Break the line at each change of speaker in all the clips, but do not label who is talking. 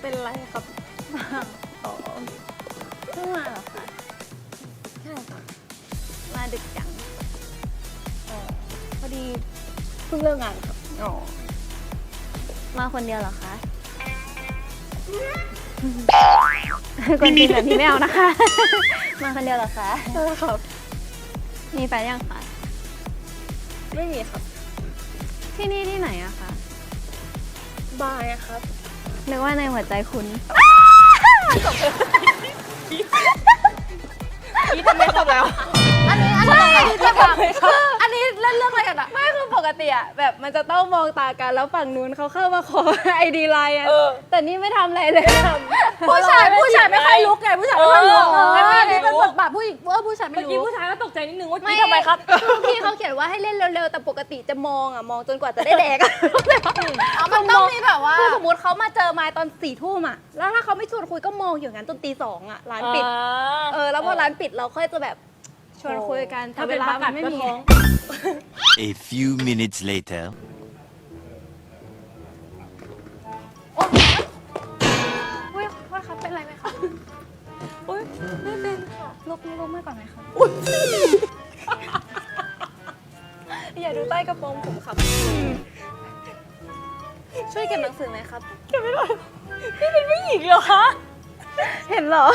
เป็นไรครับอ๋อ
เพิ่งมาเหรอคะ
ใช่ค่ะ
มาดึกจัง
พอดีเพิ่งเลิกงานครับ
อ๋อมาคนเดียวเหรอคะคนจีนแบบนี้ไม่เอานะคะ มาคนเดียวเหรอคะ
ใช่ครับ
มีแฟนยังคะ
ไม่มีครับ
ที่นี่ที่ไหนอะคะ
บายครับ
นึกว่าในหัวใจคุณ
นี่ทำไม่ครบแล้ว
อันนี้จะแบบอันนี้เล่นเรื่องอะไรกันอะไม่คือปกติอะแบบมันจะต้องมองตากันแล้วฝั่งนู้นเขาเข้ามาขอไอดีไลน์อะแต่นี่ไม่ทำอะไรเลยผู้ชายไม่ค่อยลุกไงผู้ชายไม่ค่อยลุกอันนี้เป็นบทบาทผู้หญิงผู้ชายไม่รู้
เมื่อกี้ผู้ชายก็ตกใจนิดนึงว่าทำไมครับ
พี่เขาเขียนว่าให้เล่นเร็วๆแต่ปกติจะมองจนกว่าจะได้แดกมันต้องมีแบบว่าคือสมมติเขามาเจอไม้ตอน4 ทุ่มอะแล้วถ้าเขาไม่ชวนคุยก็มองอยู่งั้นจนตี 2อะร้านปิดแล้วพอร้านปิดเราค่อยจะแบบชวนคุยกัน
ถ้าเวลามันไม่มี
A few minutes later
อุ้ยว่าครับเป็นไรไหมคะ
อุ้ยไม่เป็นค่ะ
ลุกมาก่อนไหมคะ
อย่าดูใต้กระโปรงผมครับ
ช่วยเก็บหนังสือไหมครับ
เก็บไม่ได้พี่เป็นผู้หญิงเหรอคะ
เห็นเหรอ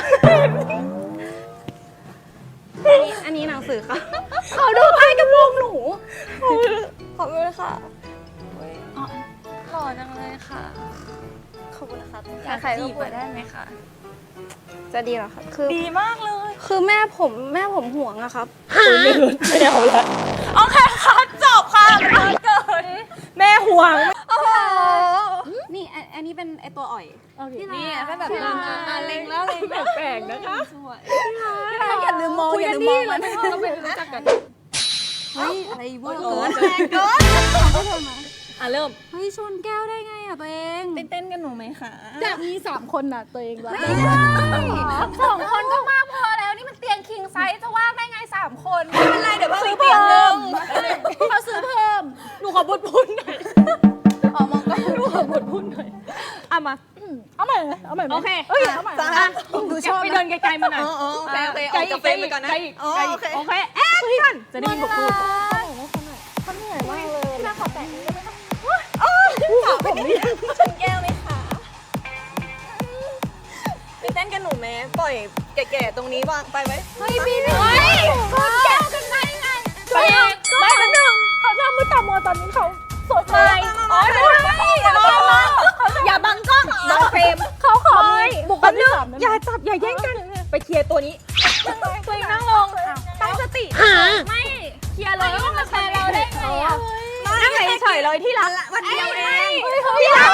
อันนี้หนังสือค่ะเขาดูใต้กระโปรงหนู
ขอบคุณค่ะ
หล่อจังเลยค่ะ
ขอบคุณครับ
อยากจีบได้ไหมคะจะดีเหรอคะคือ
ดีมากเลย
คือแม่ผมห่วงอะครับ
ไม่เอาละโอเคค่ะจบค่ะมันเกินแม่ห่วง
นี่อันนี้เป็นไอตัวอ่อย
นี่ให้แบบเล็งแล้วเล็งแปลกๆนะคะ
อย่าลืมมองมัน
ต้องไปรู้จักกัน
เฮ้ยอะไรเวอร์เกิน
เริ่ม
เฮ้ยชนแก้วได้ไงอะตัวเอง
เต้นกันหนูไหมคะ
จะมี3 คนน่ะตัวเองไม่ได้2 คนก็มากพอแล้วนี่มันเตียงคิงไซส์จะว่างได้ไง3 คน
ไม่เป็นไรเดี๋ยวเพิ่มเตียงนึง
เขาซื้อเพิ่ม
หนูขอบุญพุนหน่อย
มองก็
หนูขอบุญพุนหน่อยมา
เอาใหม่
โอเค
เอาใหม่
ดูชอบไปเดินไกลๆมาหน่อย
โอเคออกจากเฟรมไปก่อนนะ
โอเคแอคชั่นจะได้ยินบทพูด
เขาเหนื่อยมากเลยพี่น่าขอแตะได้ไหมคะ
ผมนี่ชนแก้วไหมคะไปเต้นกันหนูไหมปล่อยแก่ๆตรงนี้วางไปไหม
เฮ้ยพี่ชนแก้วกันได้ไง
ไม่เป็นหนึ่งเขาทำมือต่ำมือตอนนี้เขาสดใสอย่าบังกล้องบังเฟรม
เขาขอ
บุกกันนึงอย่าจับอย่าแย่งกันไปเคลียร์ตัวนี้ตัวเองนั่งลงตั้งสติ
ไม่
เคลียร์เลย
ว่ามาแชร์เราได้ไงอ่ะ
นั่งเฉยเลยที่รักวันเดียวเอง
ที่รัก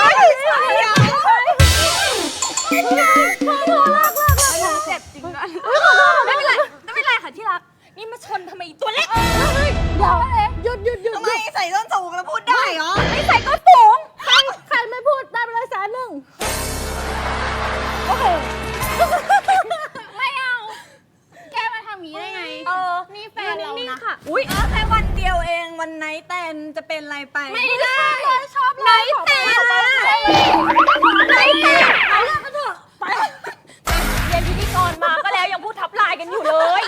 เจ็บจริงนะไม่เป็นไรค่ะที่รักนี่มาชนทำไมตัวเล็ก
หยุด
ทำไมใส่ส้นสูงแล้วพูดได้เหรอ
ไม่ใส่ก็สูงใครไม่พูดได้ไปเลย100,000โอเคไม่เอาแกมาทำงี้ได้ไงนี่แฟนเรานะ
อุ้ยแค่วันเดียวเองวันไนท์แตนจะเป็นไรไป
ไม่ได้ชอบไนท์แตนไนท์แตนเอาเรื่องกันเถอะ
ไปเรียนพิธีกรมาก็แล้วยังพูดทับลายกันอยู่เลย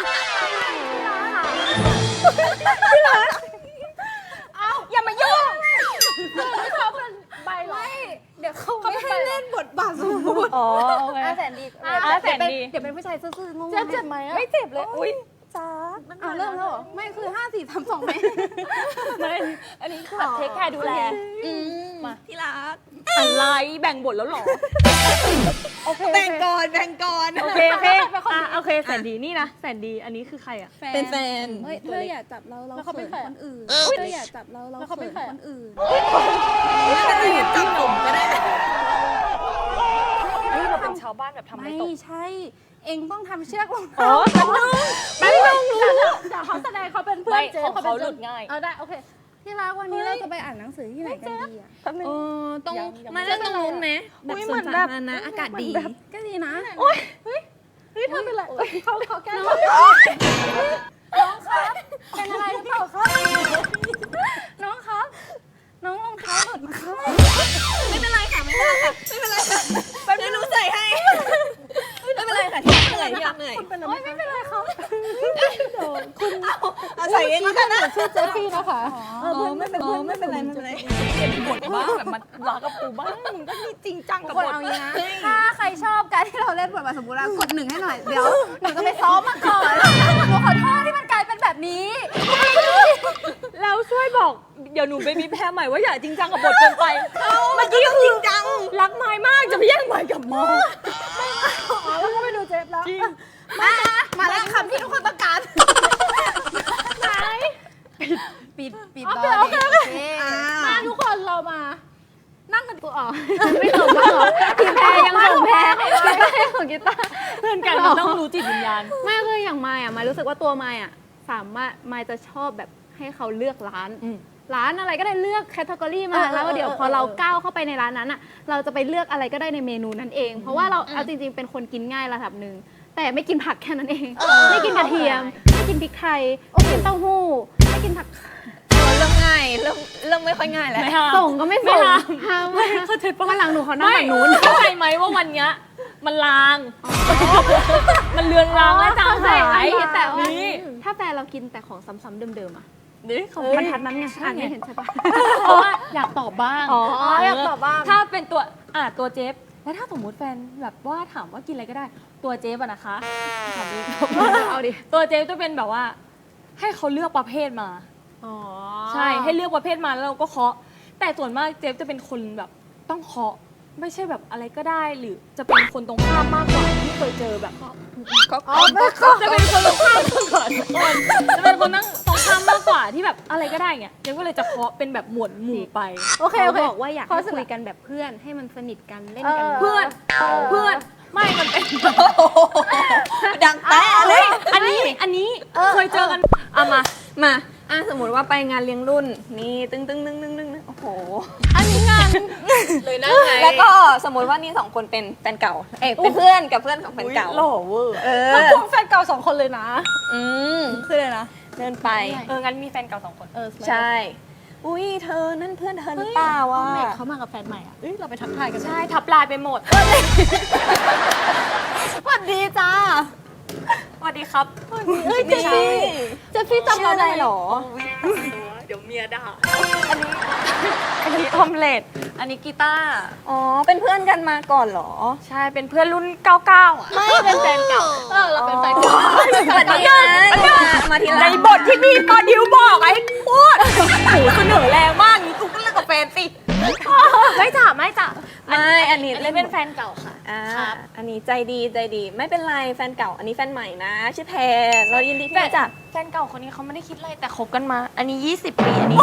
เอาอย่ามายุ่ง
เขาเป็นใบไล่เดี๋ยวเขา
ไม่ให้เล่นบทบาทสมมุติ
โอเคแสนดีเดี๋ยวเป็นผู้ชายซื่อๆงง
เจ็บไหมไม่เจ็บเลยอุ้ย
จ้าเริ่มแล้วเหรอไม่คือ5 4 3 2ไหม
ไม่อันนี้คือแบบเทคแคร์ดูแลมาที่รักอะไรแบ่งบทแล้วหรอแบ่งก่อนโอเคแสนดีนี่นะแสนดีอันนี้คือใครอ่ะ
เป็นแฟนเฮ้ยเธออย่าจับเราเขินคนอื่นเธออย่าจับเราเขินคนอื่น
จับผมก็ได้นี่เราเป็นชาวบ้านแบบทำไม่ตก
ไม่ใช่เองต้องทำเชือกลง
แป๊บนึง
เดี๋ยวเขาแสดงเขาเป็นเพื่อนเจ๊
เขาหลุดง่าย
ได้โอเคที่รักวันนี้เราจะไปอ่านหนังสือที่ไหนกันดีอ่ะ
ต้องมาเล่นตรงนู้นไหมแบบสวนสาธารณะอากาศดี
ก็ดีนะ
โอ๊ย
เฮ้ยเธอเป็นไรเขาแก้น้องครับเป็นอะไรหรือเปล่าครับน้องครับน้องรองเท้าหลุดมาครับ
ไม่เป็นไรค่ะไม่เป็นไรค่ะแป๊บนึงหนู
พื่อนหนูชื่อเจฟฟี่นะคะ
ไม่เป็นไร
เปลี่ยนบทบ้างแบบมันรักกับปูบ้างมึงก็นี่จริงจังกับบท
เอาอย่างนี้นะถ้าใครชอบการที่เราเล่นบทบาทสมมุติว่ากด1ให้หน่อยเดี๋ยวหนูจะไปซ้อมมาก่อนหนูขอโทษที่มันกลายเป็นแบบนี้
แล้วช่วยบอกเดี๋ยวหนูไปมีแพ้ใหม่ว่าอย่าจริงจังกับบทเกินไปเมื่อกี้ก็จริงจังรักไม้มากจะไปแย่งไม้กับมอ
แล้วก็ไปดูเจฟแล้ว
จริง
มาแล้วคำที่ทุกคนต้องการไหนปิดดอยมาทุกคนเรามา นั่งกันกูออกไม่ส่งก็หรอพี่แพรยังส่งแพรกีตาร์ยังส่งกีตาร์
เพื่อนกันมันต้องรู้จิตวิญญาณ
ไม่คืออย่างมายอ่ะมายรู้สึกว่าตัวมายอ่ะสามารถมายจะชอบแบบให้เขาเลือกร้าน ร้านอะไรก็ได้เลือกแคตตากรีมาแล้วเดี๋ยวพอเราก้าวเข้าไปในร้านนั้นอ่ะเราจะไปเลือกอะไรก็ได้ในเมนูนั้นเอง เพราะว่าเราเอาจริงๆเป็นคนกินง่ายระดับหนึ่งแต่ไม่กินผักแค่นั้นเองไม่กินกระเทียมไม่กินพริกไทยไม่กินเต้าหู้ไม่กินผัก
เริ่มง่ายเริ่มไม่ค่อยง่ายแล้ว
ไม่ห้าม
ส่งก็ไม่ส่ง
ห้าม
ไม่เข้าใจปะวันหลังหนูขอนั่งฝั่งนู้น
เข้าใจไหมว่าวันเนี้ยมันลาง มันเลือนลางและจางหาย
แต่ว่า
นี่
ถ้าแฟนเรากินแต่ของซ้ำๆเดิมๆอ่ะ
นี่เขา
บรรทัดนั้นไงอ่านไม่เห็นใช่ปะ
เพราะว่าอยากตอบบ้าง
อยากตอบบ้าง
ถ้าเป็นตัวเจฟแล้วถ้าสมมติแฟนแบบว่าถามว่ากินอะไรก็ได้ ตัวเจฟอะนะคะถามดิ
เอาดิ
ตัวเจฟจะเป็นแบบว่า ให้เขาเลือกประเภทมา ใช่ให้เลือกประเภทมาแล้วเราก็เคาะ แต่ส่วนมากเจฟจะเป็นคนแบบต้องเคาะไม่ใช่แบบอะไรก็ได้หรือจะเป็นคนตรงข้ามมากกว่าที่เคยเจอแบบจะเป็นคนตรงข้ามมากกว่าทุกคนจะเป็นคนนั่งตรงข้ามมากกว่าที่แบบอะไรก็ได้เงี้ยเจฟก็เลยจะเคาะเป็นแบบหมวดหมู่ไป
โอเคบอกว่าอยากให้คุยกันแบบเพื่อนให้มันสนิทกันเล่นกัน
เพื่อนไม่มันเป็น
ดังแต่เลย
อันนี้เคยเจอกันเอามา
สมมติว่าไปงานเลี้ยงรุ่นนี่ตึ้งโอ้โห
อันนี้งาน
เลยนะไง
แล้วก็สมมติว่านี่2 คนเป็นแฟนเก่าเป็นเพื่อนกับเพื่อนของแฟนเก่า
หล่อเวอร์
แล้วควงแฟนเก่า2 คนเลยนะ
คือเลยนะเดินไป
งั้นมีแฟนเก่า2 คน
ใช่ อุ้ยเธอนั่นเพื่อนเธอหรือเปล่าวะ
เขามากับแฟนใหม่อ่ะเราไปทักทายกัน
ใช่ทับลายไปหมด
สวัสดีจ้า
สวัสดีครับ
นี่
เจฟฟี่จำเราได้หรอ
เดี๋ยวเมียด่าอันนี้ออมเล็ตอันนี้กีตาร์
อ๋อเป็นเพื่อนกันมาก่อนเหรอ
ใช่เป็นเพื่อนรุ่น 99อ่ะ
ไม่เป็นแฟนเก่าเราเป็นแฟนเก่า
สวัสดีมาที
ในบทที่มีปอดิวบอกไอ้พูดหูเสนอแรงมากนี่กูก็เลิกกับแฟนสิไม่จ้ะ
อันนี้
เล่นเป็นแฟนเก่าค่ะ
อันนี้ใจดีไม่เป็นไรแฟนเก่าอันนี้แฟนใหม่นะชื่อแพรเรายินดีที่รู้จัก
แฟนเก่าคนนี้เขาไม่ได้คิดอะไรแต่คบกันมา อันนี้ 20 ปีอันนี้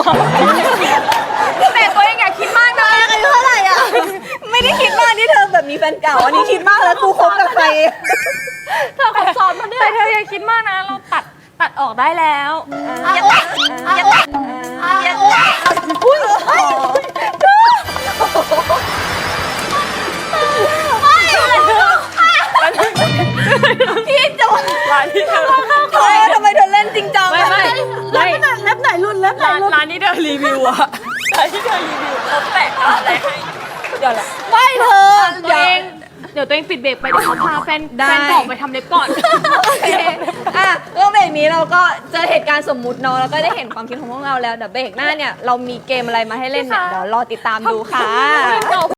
แต่ตัวเองอย่าคิดมากนะ
อายุเท่าไหร่อ่ะ ไม่ได้คิดมากที่เธอแบบมีแฟนเก่า อันนี้คิดมากแล้วกูคบกับใคร
เธอคบซ้อนมาเนี่ยแต่เธออย่าคิดมากนะเราตัดออกได้แล้วพี่จุ๊บร้านที่เธอ
ทำไมเธอเล่นจริงจัง
ไม่
เล็บไหนรุ่นเล็บไหนรุ่น
ร้านที่เธอรีวิวอะร้านที่เธอรีวิวเขาแปะอะไรให้เดี๋ยวละ
ไม่เธอ
เดี๋ยวตัวเองปิดเบรกไปเดี๋ยวเขาพาแฟนเก่าไปทำเล็บก่อน
โอเคก็เบรกนี้เราก็เจอเหตุการณ์สมมุติเนาะแล้วก็ได้เห็นความคิดของพวกเราแล้วเดี๋ยวเบรกหน้าเนี่ยเรามีเกมอะไรมาให้เล่นเนี่ยเดี๋ยวรอติดตามดูค่ะ